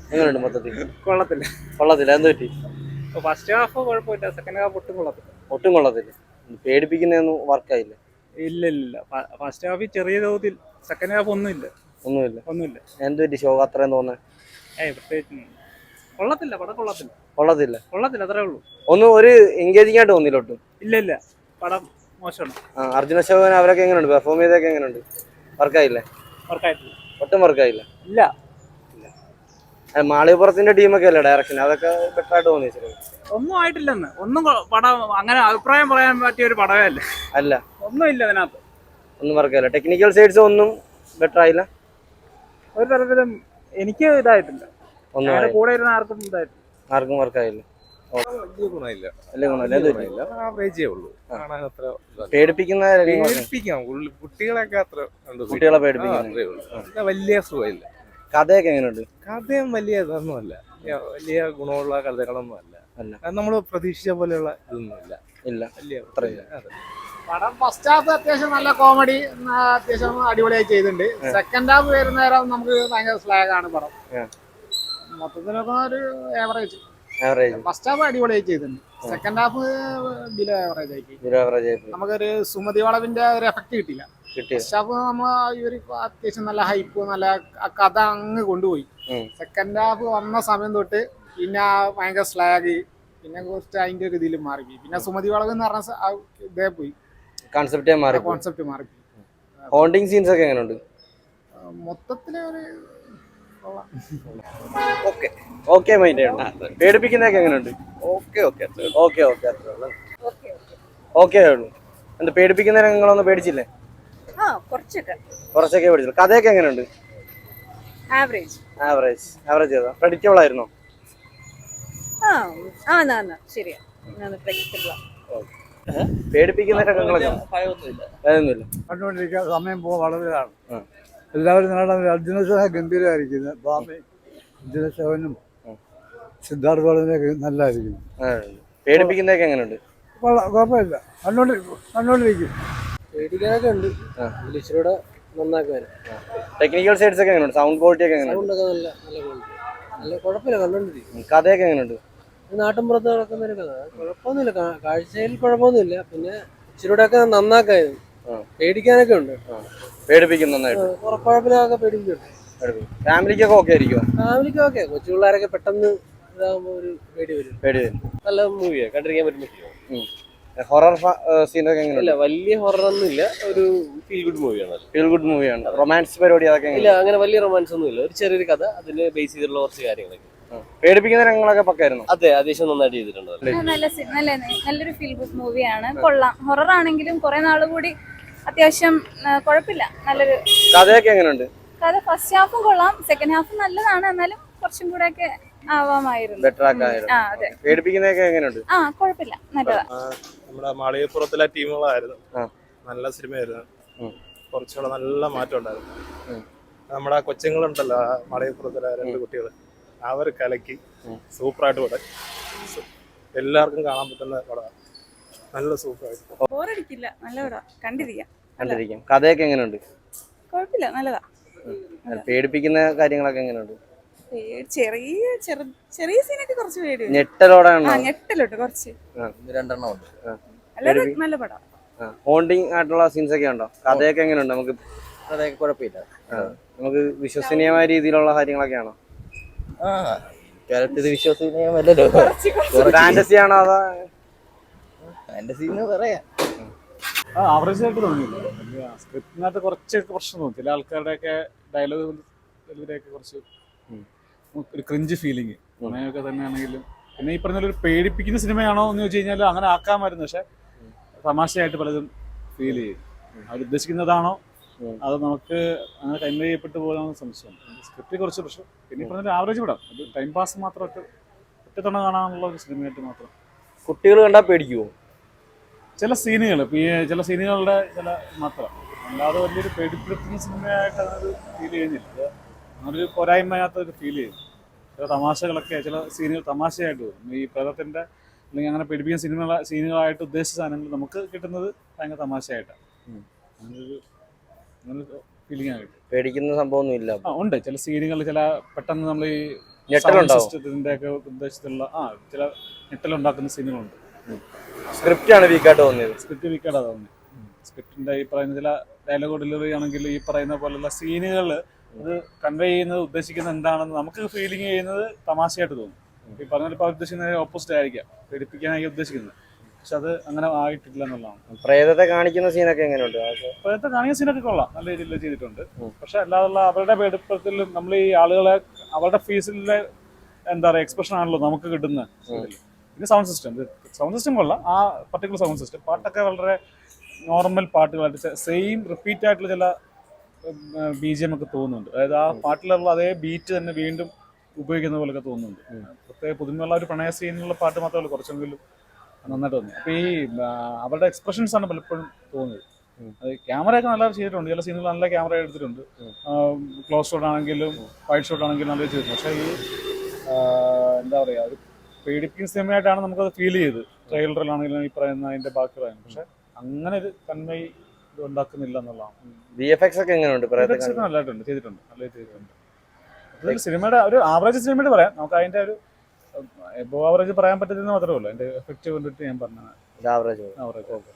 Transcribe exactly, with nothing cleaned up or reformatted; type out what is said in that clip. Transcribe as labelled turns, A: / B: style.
A: എങ്ങനെയുണ്ട് മൊത്തത്തിൽ?
B: കൊള്ളത്തില്ല.
A: കൊള്ളത്തില്ല. എന്ത് പറ്റി?
B: ഫസ്റ്റ് ഹാഫ് കുഴപ്പമില്ല, സെക്കൻഡ് ഹാഫ് ഒട്ടും കൊള്ളത്തില്ല.
A: ഒട്ടും കൊള്ളത്തില്ല. പേടിപ്പിക്കുന്നതൊന്നും വർക്കായില്ല.
B: ഇല്ല ഇല്ല ഫസ്റ്റ് ഹാഫ് ചെറിയ തോതിൽ, സെക്കൻഡ് ഹാഫ് ഒന്നുമില്ല.
A: ഒന്നുമില്ല.
B: ഒന്നുമില്ല.
A: എന്ത് പറ്റി ഷോ അത്രയും തോന്നുന്നത്?
B: ഏയ് പ്രത്യേകിച്ച് കൊള്ളത്തില്ല, പടം കൊള്ളത്തില്ല.
A: കൊള്ളത്തില്ല.
B: കൊള്ളത്തില്ല, അത്രേ ഉള്ളൂ.
A: ഒന്നും ഒരു എൻഗേജിംഗ് ആയിട്ട് തോന്നില്ല ഒട്ടും.
B: ഇല്ല ഇല്ല പടം മോശമാണ്.
A: ആ അർജുന അശോകൻ അവരൊക്കെ എങ്ങനെയുണ്ട്? പെർഫോം ചെയ്തൊക്കെ എങ്ങനെയുണ്ട്? വർക്കായില്ലേ?
B: വർക്കായിട്ടില്ല.
A: ഒട്ടും വർക്കായില്ല.
B: ഇല്ല.
A: മാളികപ്പുറത്തിന്റെ ടീമൊക്കെ അല്ലേ ഡയറക്ഷൻ, അതൊക്കെ ബെറ്റർ ആയിട്ട് തോന്നി?
B: ഒന്നും ആയിട്ടില്ലെന്ന്, ഒന്നും പടം അങ്ങനെ അഭിപ്രായം പറയാൻ പറ്റിയ ഒരു പടമേ അല്ല.
A: അല്ല,
B: ഒന്നും ഇല്ല അതിനകത്ത്.
A: ഒന്നും വർക്കായില്ല. ടെക്നിക്കൽ സൈഡ്സ് ഒന്നും ബെറ്റർ ആയില്ല.
B: ഒരു തരത്തിലും എനിക്ക് ഇതായിട്ടില്ല.
A: ഒന്നും
B: കൂടെ ഇരുന്ന ആർക്കും ഇതായിട്ടില്ല.
A: ആർക്കും വർക്കായില്ല. പേടിപ്പിക്കുന്ന
C: കുട്ടികളൊക്കെ അത്ര
A: കുട്ടികളെ പേടിപ്പിക്കുന്ന
C: വലിയ സുഖമില്ല.
A: കഥയൊക്കെ എങ്ങനെയുണ്ട്?
C: കഥയും വലിയ ഇതൊന്നുമല്ല, വലിയ ഗുണമുള്ള കഥകളൊന്നും അല്ല. നമ്മൾ പ്രതീക്ഷിച്ച പോലെയുള്ള ഇതൊന്നുമില്ല.
A: ഇല്ല,
C: വലിയ
B: പടം ഫസ്റ്റ് ഹാഫ് അത്യാവശ്യം നല്ല കോമഡി, അത്യാവശ്യം അടിപൊളിയായി ചെയ്തിട്ടുണ്ട്. സെക്കൻഡ് ഹാഫ് വരുന്ന നേരം നമുക്ക് ഭയങ്കര സ്ലാഗ് ആണ് പടം. മൊത്തത്തിലൊക്കെ ഒരു ഏവറേജ്. ഫസ്റ്റ് ഹാഫ് അടിപൊളിയായി ചെയ്തിട്ടുണ്ട്, സെക്കൻഡ് ഹാഫ് ബിലോ ഏവറേജ് ആയി. നമുക്കൊരു സുമതി വളവിന്റെ ഒരു എഫക്ട് കിട്ടില്ല. ഫസ്റ്റ് ഹാഫ് നമ്മ ഇവര് അത്യാവശ്യം നല്ല ഹൈപ്പ്, നല്ല കഥ അങ്ങ് കൊണ്ടുപോയി. സെക്കൻഡ് ഹാഫ് വന്ന സമയം തൊട്ട് പിന്നെ ഭയങ്കര സ്ലാഗ്, പിന്നെ കുറച്ച് അതിന്റെ ഒരു ഇതിൽ മാറിപ്പോയി. പിന്നെ സുമതി വളവ് എന്ന് പറഞ്ഞ ഇതേ പോയി,
A: കോൺസെപ്റ്റേ മാറി
B: കോൺസെപ്റ്റ് മാറി.
A: ഹോണ്ടിങ് സീൻസ് ഒക്കെ എങ്ങനെയുണ്ട്?
B: മൊത്തത്തില് ഒരു
A: ഓക്കെ മൈൻഡ് പേടിപ്പിക്കുന്നതൊക്കെ എങ്ങനെയുണ്ട്? Okay okay okay okay okay ഉള്ളൂ. എന്താ പേടിപ്പിക്കുന്ന രംഗങ്ങളൊന്നും പേടിച്ചില്ലേ? കുറച്ചൊക്കെ പേടിച്ചില്ല. കഥയൊക്കെ എങ്ങനെയുണ്ട്?
D: ആവറേജ്
A: ആവറേജ് ആവറേജ് ചെയ്താ പ്രഡിക്റ്റബിൾ ആയിരുന്നോ? പേടിപ്പിക്കുന്ന രംഗങ്ങളൊക്കെ ഭയമൊന്നുമില്ല.
E: കണ്ടുകൊണ്ടിരിക്കാൻ സമയം പോകാൻ വളരെയാണ്. എല്ലാവരും നാളെ അർജുന അശോകൻ ഗംഭീരമായിരിക്കുന്നത്. ബാബി അർജുന അശോകനും സിദ്ധാർത്ഥ വളരെ നല്ലതായിരിക്കുന്നു.
A: പേടിപ്പിക്കുന്നതൊക്കെ എങ്ങനെയുണ്ട്?
E: കുഴപ്പമില്ല, കണ്ടോണ്ടി കണ്ടോണ്ടിരിക്കും.
F: പേടിക്കാനൊക്കെ ഉണ്ട്, ഇച്ചിരൂടെ നന്നാക്കാൻ.
A: ടെക്നിക്കൽ സൈഡ്സ് ഒക്കെ എങ്ങനെയുണ്ട്? സൗണ്ട് ക്വാളിറ്റി ഒക്കെ എങ്ങനെയുണ്ട്?
F: സൗണ്ടൊക്കെ നല്ല നല്ല ക്വാളിറ്റി, നല്ല കുഴപ്പമില്ല, കണ്ടോണ്ടിരിക്കും.
A: കഥയൊക്കെ എങ്ങനെയുണ്ട്?
F: നാട്ടിൻപുറത്ത് നടക്കുന്ന ഒരു കഥ, കുഴപ്പമൊന്നുമില്ല, കാഴ്ചയിൽ കുഴപ്പമൊന്നുമില്ല. പിന്നെ ഇച്ചിരൂടെ ഒക്കെ നന്നാക്കായിരുന്നു. പേടിക്കാനൊക്കെ ഉണ്ട്,
A: പേടിപ്പിക്കും നന്നായിട്ട്.
F: കുഴപ്പമില്ലാതെ പേടിപ്പിക്കുന്നുണ്ട്.
A: ഫാമിലിക്കൊക്കെ ഓക്കെ ആയിരിക്കും?
F: ഫാമിലിക്ക് ഓക്കെ. കൊച്ചു പിള്ളേരൊക്കെ പെട്ടെന്ന് ഇതാകുമ്പോ ഒരു പേടി വരും.
A: പേടി വരും.
F: നല്ല മൂവിയാണ്, കണ്ടിരിക്കാൻ പറ്റും.
A: ഹൊറർ സീനൊക്കെ എങ്ങനെയുണ്ട്?
F: വലിയ ഹൊറർ ഒന്നും ഇല്ല, ഒരു ഫീൽ ഗുഡ് മൂവിയാണ്.
A: ഫീൽ ഗുഡ് മൂവിയാണ്. റൊമാൻസ് പരിപാടി അതൊക്കെ
F: ഇല്ല, അങ്ങനെ വലിയ റൊമാൻസ് ഒന്നും ഇല്ല. ഒരു ചെറിയൊരു കഥ, അതിന് ബേസ് ചെയ്തിട്ടുള്ള കുറച്ച് കാര്യങ്ങളൊക്കെ.
A: പേടിപ്പിക്കുന്ന രംഗങ്ങളൊക്കെ പക്കായിരുന്നു.
F: അതെ, അത്യാവശ്യം നന്നായിട്ട് ചെയ്തിട്ടുണ്ട്.
D: നല്ല നല്ലൊരു ഫീൽ ഗുഡ് മൂവിയാണ്, കൊള്ളാം. ഹൊറർ ആണെങ്കിലും കുറെ നാൾ കൂടി അത്യാവശ്യം കുഴപ്പമില്ല, നല്ലൊരു.
A: കഥയൊക്കെ എങ്ങനെയുണ്ട്?
D: കഥ ഫസ്റ്റ് ഹാഫും കൊള്ളാം, സെക്കൻഡ് ഹാഫും നല്ലതാണ്, എന്നാലും കുറച്ചും കൂടെ ഒക്കെ ആവാമായിരുന്നു.
A: ബെറ്റർ ആക്കായിരുന്നു. പേടിപ്പിക്കുന്നതൊക്കെ എങ്ങനെയുണ്ട്?
D: ആ കുഴപ്പമില്ല, നല്ലതാ.
C: നമ്മുടെ മാളികപ്പുറത്തിലെ ടീമുകളായിരുന്നു, നല്ല സിനിമയായിരുന്നു. കുറച്ചുകൂടെ നല്ല മാറ്റം ഉണ്ടായിരുന്നു. നമ്മുടെ കൊച്ചുങ്ങളുണ്ടല്ലോ മാളികപ്പുറത്തിലെ രണ്ട് കുട്ടികൾ, അവർ കലക്കി സൂപ്പറായിട്ട് പടം. എല്ലാവർക്കും കാണാൻ പറ്റുന്ന പടമാണ്, നല്ല സൂപ്പറായിട്ട്.
D: ബോറടിക്കില്ല, നല്ല പടം, കണ്ടിരിക്കാം.
A: കണ്ടിരിക്കാം. കഥയൊക്കെ എങ്ങനെയുണ്ട്?
D: കുഴപ്പമില്ല, നല്ലതാ.
A: പേടിപ്പിക്കുന്ന കാര്യങ്ങളൊക്കെ എങ്ങനെയുണ്ട്?
D: ചെറിയ ചെറിയ സീനൊക്കെ കുറച്ച് പേടി,
A: ഞെട്ടലോടെ
D: ഞെട്ടലോട്ട് കുറച്ച്
A: രണ്ടെണ്ണം ഉണ്ട്.
D: അല്ലാതെ നല്ല പടം.
A: ഹോണ്ടിങ് ആയിട്ടുള്ള സീൻസ് ഒക്കെ ഉണ്ടോ? കഥയൊക്കെ എങ്ങനെയുണ്ട്? നമുക്ക്
F: അതൊക്കെ കുഴപ്പമില്ല,
A: നമുക്ക് വിശ്വസനീയമായ രീതിയിലുള്ള കാര്യങ്ങളൊക്കെയാണോ?
F: ഇത് വിശ്വസനീയമല്ലല്ലോ.
A: ഫാന്റസി ആണോ അതോ
F: ഫാന്റസി എന്ന് പറയാം.
G: ആ ആവറേജ് ആയിട്ട് തോന്നിയില്ല. സ്ക്രിപ്റ്റിനകത്ത് കുറച്ച് പ്രശ്നം തോന്നി. ചില ആൾക്കാരുടെയൊക്കെ ഡയലോഗ് ഇതിലൊക്കെ കുറച്ച് ഒരു ക്രിഞ്ച് ഫീലിംഗ് അങ്ങനെയൊക്കെ തന്നെയാണെങ്കിലും. പിന്നെ ഈ പറഞ്ഞ ഒരു പേടിപ്പിക്കുന്ന സിനിമയാണോ എന്ന് ചോദിച്ചു കഴിഞ്ഞാൽ അങ്ങനെ ആക്കാമായിരുന്നു, പക്ഷെ തമാശയായിട്ട് പലതും ഫീൽ ചെയ്യും. അവരുദ്ദേശിക്കുന്നതാണോ അത് നമുക്ക് അങ്ങനെ കൺവേ ചെയ്യപ്പെട്ടു പോകാമെന്ന് സംശയം. സ്ക്രിപ്റ്റ് കുറച്ച് പ്രശ്നം. പിന്നെ ഈ പറഞ്ഞൊരു ആവറേജ് വിടാം, ഒരു ടൈം പാസ് മാത്രമായിട്ട് ഒറ്റത്തവണ കാണാനുള്ള ഒരു സിനിമയായിട്ട് മാത്രം.
A: കുട്ടികൾ കണ്ടാൽ പേടിക്കുമോ?
G: ചില സീനുകൾ, ചില സീനുകളുടെ ചില മാത്രം, അല്ലാതെ വലിയൊരു പേടിപ്പെടുത്തുന്ന സിനിമയായിട്ട് അതൊരു ഫീൽ ചെയ്യുന്നില്ല. അങ്ങനൊരു പോരായ്മയാത്തൊരു ഫീൽ ചെയ്യും. ചില തമാശകളൊക്കെ, ചില സീനുകൾ തമാശയായിട്ട് വരും. ഈ പ്രേതത്തിൻ്റെ അല്ലെങ്കിൽ അങ്ങനെ പേടിപ്പിക്കുന്ന സിനിമ സീനുകളായിട്ട് ഉദ്ദേശിച്ച സാധനങ്ങൾ നമുക്ക് കിട്ടുന്നത് ഭയങ്കര തമാശയായിട്ടാണ്. അങ്ങനൊരു അങ്ങനൊരു ഫീലിംഗ് ആയിട്ട്
A: പേടിക്കുന്ന സംഭവമൊന്നും ഇല്ല.
G: ആ ഉണ്ട്, ചില സീനുകൾ, ചില പെട്ടെന്ന് നമ്മൾ ഈ
A: ഞെട്ടലുണ്ടാവും.
G: സിസ്റ്റത്തിന്റെ ഒക്കെ ഉദ്ദേശത്തിലുള്ള ആ ചില ഞെട്ടലുണ്ടാക്കുന്ന സീനുകളുണ്ട്.
A: സ്ക്രിപ്റ്റ് ആണ് വീക്കായിട്ട് തോന്നിയത്.
G: സ്ക്രിപ്റ്റ് വീക്കായിട്ടാണ് തോന്നുന്നത്. സ്ക്രിപ്റ്റിന്റെ ഈ പറയുന്ന ചില ഡയലോഗ് ഡെലിവറി ആണെങ്കിൽ ഈ പറയുന്ന പോലുള്ള സീനുകൾ അത് കൺവേ ചെയ്യുന്നത് ഉദ്ദേശിക്കുന്നത് എന്താണെന്ന് നമുക്ക് ഫീലിംഗ് ചെയ്യുന്നത് തമാശയായിട്ട് തോന്നും. ഈ പറഞ്ഞ ഇപ്പോൾ ഉദ്ദേശിക്കുന്നത് ഓപ്പോസിറ്റ് ആയിരിക്കാം, പേടിപ്പിക്കാനായിരിക്കും ഉദ്ദേശിക്കുന്നത്. പക്ഷെ അത് അങ്ങനെ ആയിട്ടില്ല എന്നുള്ളതാണ്.
A: പ്രേതത്തെ കാണിക്കുന്ന സീനൊക്കെ എങ്ങനെയുണ്ട്?
G: ഇപ്പോഴത്തെ കാണിക്കുന്ന സീനൊക്കെ കൊള്ളാം, നല്ല രീതിയിൽ ചെയ്തിട്ടുണ്ട്. പക്ഷെ അല്ലാതുള്ള അവരുടെ പേടിപ്പത്തിലും നമ്മൾ ഈ ആളുകളെ അവരുടെ ഫേസിലെ എന്താ പറയുക എക്സ്പ്രഷൻ ആണല്ലോ നമുക്ക് കിട്ടുന്നത്. പിന്നെ സൗണ്ട് സിസ്റ്റം സൗണ്ട് സിസ്റ്റം കൊള്ളാം. ആ പർട്ടിക്കുലർ സൗണ്ട് സിസ്റ്റം പാട്ടൊക്കെ വളരെ നോർമൽ പാട്ടുകളായിട്ട് സെയിം റിപ്പീറ്റ് ആയിട്ടുള്ള ചില ബി ജി എം ഒക്കെ തോന്നുന്നുണ്ട്. അതായത് ആ പാട്ടിലുള്ള അതേ ബീറ്റ് തന്നെ വീണ്ടും ഉപയോഗിക്കുന്ന പോലെയൊക്കെ തോന്നുന്നുണ്ട്. പ്രത്യേക പുതുമയുള്ള ഒരു പ്രണയ സീനിലുള്ള പാട്ട് മാത്രമല്ല, കുറച്ചെങ്കിലും നന്നായിട്ട് തോന്നി. അപ്പോൾ ഈ അവരുടെ എക്സ്പ്രഷൻസ് ആണ് പലപ്പോഴും തോന്നിയത്. അത് ക്യാമറയൊക്കെ നല്ല ചെയ്തിട്ടുണ്ട്, ചില സീനുകൾ നല്ല ക്യാമറ എടുത്തിട്ടുണ്ട്. ക്ലോസ് ഷോട്ട് ആണെങ്കിലും വൈഡ് ഷോട്ട് ആണെങ്കിലും നല്ല ചെയ്തിട്ടുണ്ട്. പക്ഷേ ഈ എന്താ പറയുക ഒരു പേടിപ്പിക്കുന്ന സിനിമയായിട്ടാണ് നമുക്കത് ഫീൽ ചെയ്ത്. ട്രെയിലറിലാണെങ്കിലും ഈ പറയുന്ന അതിൻ്റെ ബാക്കി പറയുന്നത്. പക്ഷെ അങ്ങനെ ഒരു കൺവേ ഇത് ഉണ്ടാക്കുന്നില്ല എന്നുള്ളതാണ്.
A: വി എഫ് എക്സ് ഒക്കെ എങ്ങനെയുണ്ട്?
G: നല്ലതായിട്ടുണ്ട്, ചെയ്തിട്ടുണ്ട്, നല്ല ചെയ്തിട്ടുണ്ട്. അതൊരു സിനിമയുടെ ഒരു ആവറേജ് സിനിമയുടെ പറയാം, നമുക്ക് അതിൻ്റെ ഒരു എബോ ആവറേജ് പറയാൻ പറ്റുന്നത് മാത്രമേ ഉള്ളൂ. അതിൻ്റെ എഫക്റ്റ് കൊണ്ടിട്ട് ഞാൻ പറഞ്ഞത്
A: ആവറേജ്
G: ആവറേജ്.